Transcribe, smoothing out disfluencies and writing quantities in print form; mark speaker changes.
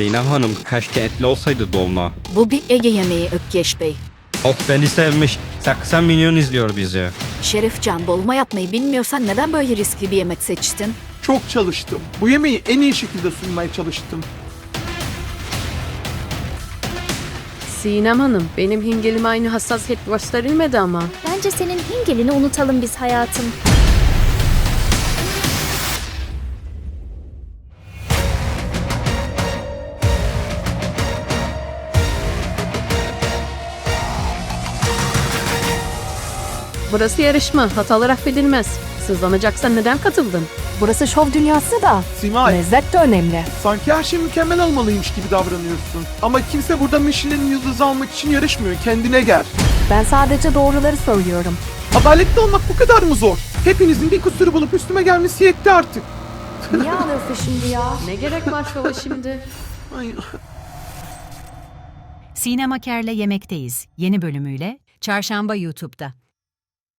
Speaker 1: Zeynep Hanım keşke etli olsaydı dolma.
Speaker 2: Bu bir Ege yemeği Ökkeş Bey.
Speaker 1: Of beni sevmiş. 80 milyon izliyor bizi.
Speaker 2: Şerifcan, dolma yapmayı bilmiyorsan neden böyle riskli bir yemek seçtin?
Speaker 3: Çok çalıştım. Bu yemeği en iyi şekilde sunmaya çalıştım.
Speaker 4: Sinem Hanım, benim hingelime aynı hassasiyet gösterilmedi ama.
Speaker 5: Bence senin hingelini unutalım biz hayatım.
Speaker 4: Burası yarışma, hatalar affedilmez. Sızlanacaksan neden katıldın?
Speaker 6: Burası şov dünyası da.
Speaker 3: Simay,
Speaker 6: Lezzet de önemli.
Speaker 3: sanki her şey mükemmel olmalıymış gibi davranıyorsun. Ama kimse burada Michelin yıldızı almak için yarışmıyor. Kendine gel.
Speaker 6: Ben sadece doğruları söylüyorum.
Speaker 3: Adaletli olmak bu kadar mı zor? Hepinizin bir kusuru bulup üstüme gelmesi yetti artık.
Speaker 6: Niye ağlıyorsun şimdi ya?
Speaker 4: Ne gerek var şova şimdi?
Speaker 3: Ay.
Speaker 7: Sinem Aker'le Yemekteyiz yeni bölümüyle Çarşamba YouTube'da.